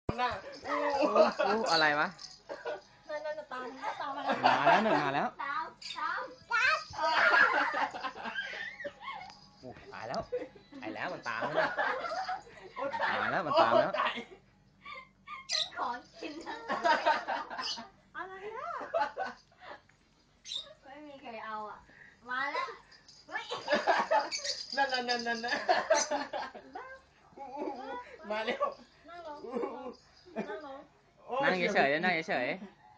หน้าอะไรวะนั่นตามมาแล้วมาแล้วหนึ่งมาแล้วตายแล้วตายแล้วมันตามแล้วตายแล้วมันตามแล้วขอกินอะไรนะไม่มีใครเอาอ่ะมาแล้วนั่นมาเร็วนั่งลงนั่งเฉยๆนั่งเฉย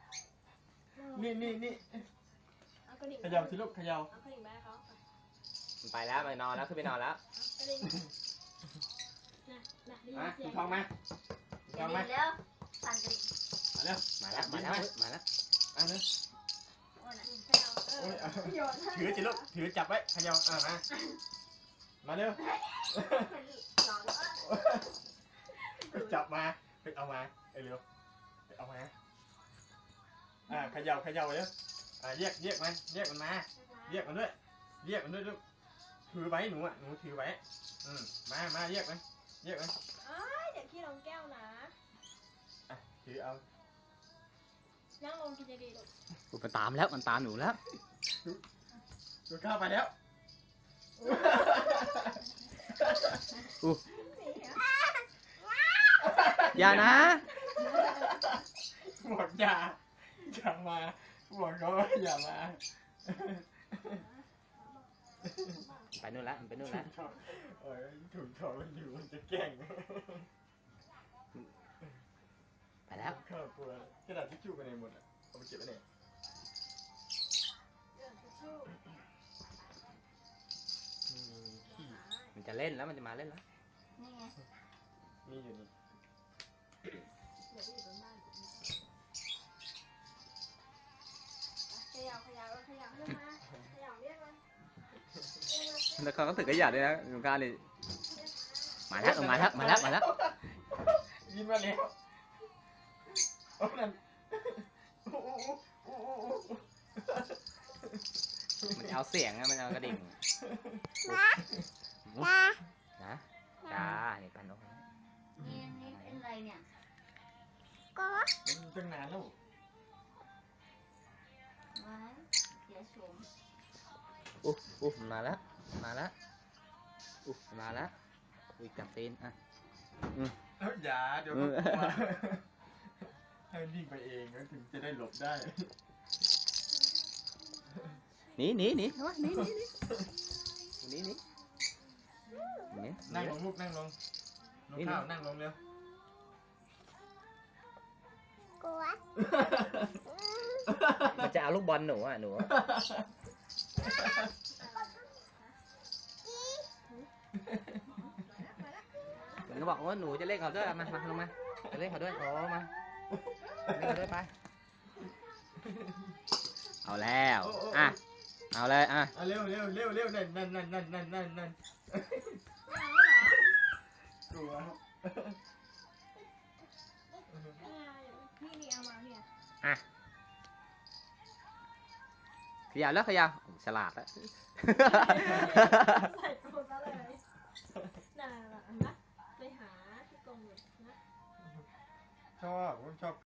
นี่เอากระดิ่งเขย่าสิลูกเขย่าเอากระดิ่งแม่เขาๆมันไปแล้วไปนอนแล้วขึ้นไปนอนแล้วกระดิ่งน่ะได้ยินเสียงทองมาทองมาเร็วสั่นกระดิ่งมาเร็วมาแล้วมาแล้วมาเร็วโอ้ยเขย่าโยนถือสิลูกถือจับไว้เขย่ามาเร็วจับมาไปเอามาเร็วไปเอามาเขย่าเร็วเรียกมันมาเรียกมันด้วยลูกถือไว้หนูถือไว้มาเรียกมันเดี๋ยวขี้ลงแก้วนะถือเอานั่งลงกินดีลูกมันตามแล้วมันตามหนูแล้วดูข้าวไปแล้วอย่านะบอกอย่ามาบอกเขาว่าอย่ามาไปนู่นแล้วมันไปนู่นแล้วถุงทองมันอยู่มันจะแกล้งไปแล้วข้าวกลัวกระดาษทิชชู่ไปไหนหมดเอาไปเก็บไว้ไหนมันจะเล่นแล้วมันจะมาเล่นแล้วนี่ไงมีอยู่นี่เดี๋ยวอยู่บนบ้านเขย่าเรียกมาเรียกมาแล้วเขาก็ถือกระยาด้วยนะหนูกล้าเลยมาแล้วยินมาแล้วนั่นมันเอาเสียงนะมันเอากระดิ่งนะจ้านี่ปันนกนี่เป็นอะไรเนี่ยตั้งนานแล้วว้าเดี๋ยวชมมาแล้วมาแล้วจับตีนอย่าเดี๋ยวก็กลัวให้วิ่งไปเองถึงจะได้หลบได้หนีนั่งลงลูกนั่งลงข้าวนั่งลงเร็วมันจะเอาลูกบอลหนูมันก็บอกว่าหนูจะเล่นเขาด้วยมาลงมาจะเล่นเขาด้วยมาเล่นเขาด้วยไปเอาแล้วเอาเลยเร็วนั่นกลัวนี่เอามาเนี่ยขยับแล้วฉลาดแล้วใส่ตัวซะเลยน่ารักนะไปหาที่กรงเลยนะชอบ